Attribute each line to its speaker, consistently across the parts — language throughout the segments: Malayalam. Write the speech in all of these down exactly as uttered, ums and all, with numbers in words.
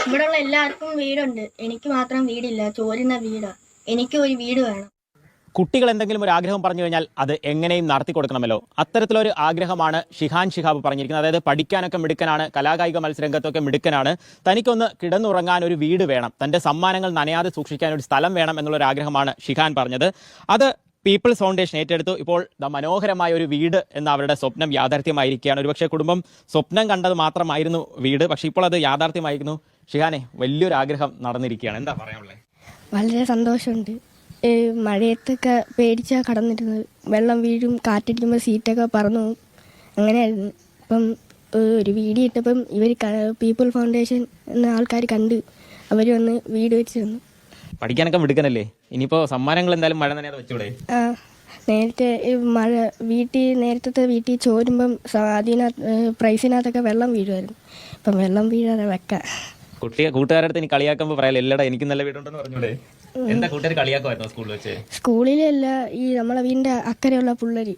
Speaker 1: ഇവിടെയുള്ള എല്ലാവർക്കും വീടുണ്ട്, എനിക്ക് മാത്രം വീടില്ല. ചോരുന്ന വീടാ. എനിക്ക് ഒരു വീട് വേണം.
Speaker 2: കുട്ടികൾ എന്തെങ്കിലും ഒരു ആഗ്രഹം പറഞ്ഞു കഴിഞ്ഞാൽ അത് എങ്ങനെയും നടത്തി കൊടുക്കണമല്ലോ. അത്തരത്തിലൊരു ആഗ്രഹമാണ് ഷിഹാൻ ഷിഹാബ് പറഞ്ഞിരിക്കുന്നത്. അതായത് പഠിക്കാനൊക്കെ മിടുക്കനാണ്, കലാകായിക മത്സരരംഗത്തൊക്കെ മിടുക്കനാണ്. തനിക്കൊന്ന് കിടന്നുറങ്ങാൻ ഒരു വീട് വേണം, തൻ്റെ സമ്മാനങ്ങൾ നനയാതെ സൂക്ഷിക്കാൻ ഒരു സ്ഥലം വേണം എന്നുള്ളൊരു ആഗ്രഹമാണ് ഷിഹാൻ പറഞ്ഞത്. അത് പീപ്പിൾസ് ഫൗണ്ടേഷൻ ഏറ്റെടുത്തു. ഇപ്പോൾ മനോഹരമായ ഒരു വീട് എന്ന അവരുടെ സ്വപ്നം യാഥാർത്ഥ്യമായിരിക്കുകയാണ്. ഒരുപക്ഷെ കുടുംബം സ്വപ്നം കണ്ടത് മാത്രമായിരുന്നു വീട്, പക്ഷേ ഇപ്പോൾ അത് യാഥാർത്ഥ്യമായിരുന്നു. ഷിഹാനെ, വലിയൊരു ആഗ്രഹം നടന്നിരിക്കുകയാണ്, എന്താ പറയാനുള്ളത്?
Speaker 3: വളരെ സന്തോഷമുണ്ട്. മഴയത്തൊക്കെ പേടിച്ചാൽ കടന്നിരുന്നത്, വെള്ളം വീഴും, കാറ്റടിക്കുമ്പോൾ സീറ്റൊക്കെ പറന്നു പോകും, അങ്ങനെയായിരുന്നു. ഇപ്പം ഒരു വീഡിയോ ഇട്ടപ്പം ഇവർ പീപ്പിൾ ഫൗണ്ടേഷൻ എന്ന ആൾക്കാർ കണ്ട് അവർ വന്ന് വീട് വെച്ച് തന്നു.
Speaker 2: പഠിക്കാനൊക്കെ മിടുക്കനല്ലേ? ഇനിയിപ്പോൾ സമ്മാനങ്ങൾ എന്തായാലും മഴ നനയാതെ വെച്ചൂടെ?
Speaker 3: ആ, നേരത്തെ മഴ വീട്ടിൽ നേരത്തെ വീട്ടിൽ ചോരുമ്പം അതിനകത്ത് പ്രൈസിനകത്തൊക്കെ വെള്ളം വീഴുമായിരുന്നു. ഇപ്പം വെള്ളം വീഴാതെ വെക്കാം.
Speaker 2: കുട്ടിയെ കൂട്ടുകാരടുത്ത് ഇനി കളിയാക്കുമ്പോൾ പറയാലോ, എല്ലാടാ എനിക്ക് നല്ല വീടുണ്ടെന്ന് പറഞ്ഞൂടെ? എന്താ കൂട്ടുകാർ കളിയാക്കുമായിരുന്നു സ്കൂളിൽ വെച്ച്?
Speaker 3: സ്കൂളിലല്ല, ഈ നമ്മളെ വീടിന്റെ അക്കരെയുള്ള പിള്ളേര്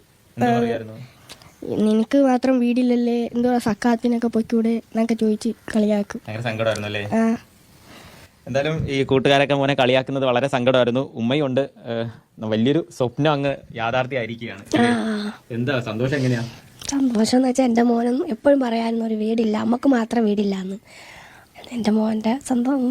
Speaker 3: നിനക്ക് മാത്രം വീടില്ലല്ലേ, എന്തോ സക്കാത്തിനൊക്കെ പൊയ്ക്കൂടെ എന്നൊക്കെ ചോദിച്ച് കളിയാക്കും.
Speaker 2: ഭയങ്കര സങ്കടമായിരുന്നു അല്ലേ? എന്തായാലും ഈ കൂട്ടുകാരൊക്കെ മോനെ കളിയാക്കുന്നത് വളരെ സങ്കടമായിരുന്നു. ഉമ്മയുണ്ട്, വലിയൊരു സ്വപ്നം അങ്ങ് യാഥാർത്ഥ്യമായിരിക്കുകയാണ്. എന്താ സന്തോഷം? എങ്ങനെയാ
Speaker 4: സന്തോഷം എന്ന് വെച്ചാൽ എൻ്റെ മോനും എപ്പോഴും പറയായിരുന്നു ഒരു വീടില്ല, നമുക്ക് മാത്രം വീടില്ല എന്ന്. എൻ്റെ മോൻ്റെ സ്വന്തം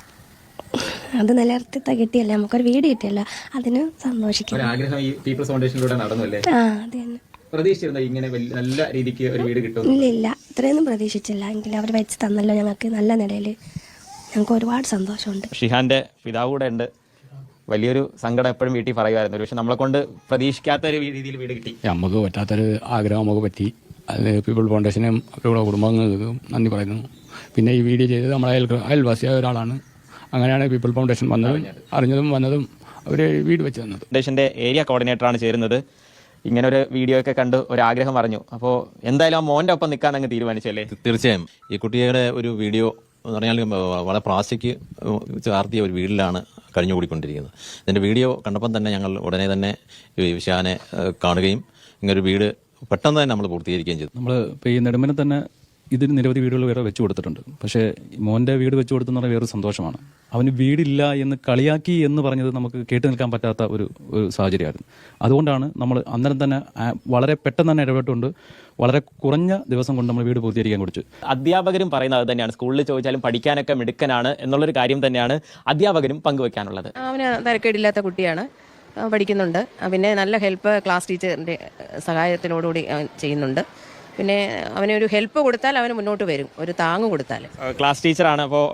Speaker 4: അത് നിലനിർത്തി കിട്ടിയല്ല, നമുക്കൊരു വീട് കിട്ടിയല്ല, അതിന് സന്തോഷിക്കും.
Speaker 2: ആഗ്രഹം ഈ പീപ്പിൾസ് ഫൗണ്ടേഷനിലൂടെ നടന്നല്ലേ?
Speaker 4: ആ, അത് തന്നെ.
Speaker 2: പ്രതീക്ഷിച്ചിരുന്നോ ഇങ്ങനെ നല്ല രീതിക്ക് ഒരു വീട് കിട്ടും?
Speaker 4: ഇല്ല ഇല്ല, ഇത്രയൊന്നും പ്രതീക്ഷിച്ചില്ല. എങ്കിലും അവർ വെച്ച് തന്നല്ലോ ഞങ്ങൾക്ക് നല്ല നിലയിൽ, ഞങ്ങൾക്ക് ഒരുപാട് സന്തോഷമുണ്ട്.
Speaker 2: ഷിഹാന്റെ പിതാവ് കൂടെ ഉണ്ട്, വലിയൊരു സങ്കടം എപ്പോഴും വീട്ടിൽ പറയുമായിരുന്നു. പക്ഷെ നമ്മളെ കൊണ്ട് പ്രതീക്ഷിക്കാത്ത ഒരു രീതിയിൽ വീട് കിട്ടി.
Speaker 5: നമുക്ക് പറ്റാത്തൊരു ആഗ്രഹം നമുക്ക് പറ്റി. അത് പീപ്പിൾ ഫൗണ്ടേഷനും അവരുടെ കുടുംബങ്ങൾക്കും നന്ദി പറയുന്നു. പിന്നെ ഈ വീഡിയോ ചെയ്തത് നമ്മളെ അയൽ അയൽവാസിയായ ഒരാളാണ്. അങ്ങനെയാണ് പീപ്പിൾ ഫൗണ്ടേഷൻ വന്നതും അറിഞ്ഞതും വന്നതും അവർ വീട് വെച്ച് തന്നത്.
Speaker 2: ഫൗണ്ടേഷന്റെ ഏരിയ കോർഡിനേറ്ററാണ് ചേരുന്നത്. ഇങ്ങനെ ഒരു വീഡിയോ ഒക്കെ കണ്ട് ഒരു ആഗ്രഹം പറഞ്ഞു. അപ്പോൾ എന്തായാലും ആ മോൻ്റെ ഒപ്പം നിൽക്കാൻ അങ്ങ് തീരുമാനിച്ചല്ലേ?
Speaker 6: തീർച്ചയായും ഈ കുട്ടിയുടെ ഒരു വീഡിയോ എന്ന് പറഞ്ഞാൽ വളരെ പ്ലാസ്റ്റിക് ചാർത്തിയ ഒരു വീട്ടിലാണ് കഴിഞ്ഞുകൂടിക്കൊണ്ടിരിക്കുന്നത്. ഇതിൻ്റെ വീഡിയോ കണ്ടപ്പം തന്നെ ഞങ്ങൾ ഉടനെ തന്നെ വിശാനെ കാണുകയും ഇങ്ങനൊരു വീട് പെട്ടെന്ന് തന്നെ നമ്മൾ പൂർത്തീകരിക്കുകയും ചെയ്തു.
Speaker 7: നമ്മൾ ഇപ്പോൾ ഈ നെടുമ്പനെ തന്നെ ഇതിന് നിരവധി വീടുകൾ വേറെ വെച്ചു കൊടുത്തിട്ടുണ്ട്. പക്ഷേ മോൻ്റെ വീട് വെച്ചു കൊടുത്തെന്ന് പറഞ്ഞാൽ വേറൊരു സന്തോഷമാണ്. അവന് വീടില്ല എന്ന് കളിയാക്കി എന്ന് പറഞ്ഞത് നമുക്ക് കേട്ടു നിൽക്കാൻ പറ്റാത്ത ഒരു ഒരു സാഹചര്യമായിരുന്നു. അതുകൊണ്ടാണ് നമ്മൾ അന്നേരം തന്നെ വളരെ പെട്ടെന്ന് തന്നെ ഇടപെട്ടുകൊണ്ട് വളരെ കുറഞ്ഞ ദിവസം കൊണ്ട് നമ്മൾ വീട് പൂർത്തീകരിക്കാൻ കുറിച്ച്.
Speaker 2: അധ്യാപകരും പറയുന്നത് അത് തന്നെയാണ്. സ്കൂളിൽ ചോദിച്ചാലും പഠിക്കാനൊക്കെ മിടുക്കനാണ് എന്നുള്ളൊരു കാര്യം തന്നെയാണ് അധ്യാപകരും പങ്കുവെക്കാനുള്ളത്.
Speaker 8: അവന് തരക്കേടില്ലാത്ത കുട്ടിയാണ്, പഠിക്കുന്നുണ്ട്. പിന്നെ നല്ല ഹെൽപ്പ് ക്ലാസ് ടീച്ചറിൻ്റെ സഹായത്തിനോടുകൂടി ചെയ്യുന്നുണ്ട്. പിന്നെ അവനൊരു ഹെൽപ്പ് കൊടുത്താൽ അവന് മുന്നോട്ട് വരും, ഒരു താങ്ങ് കൊടുത്താൽ.
Speaker 2: ക്ലാസ് ടീച്ചറാണ്. അപ്പോൾ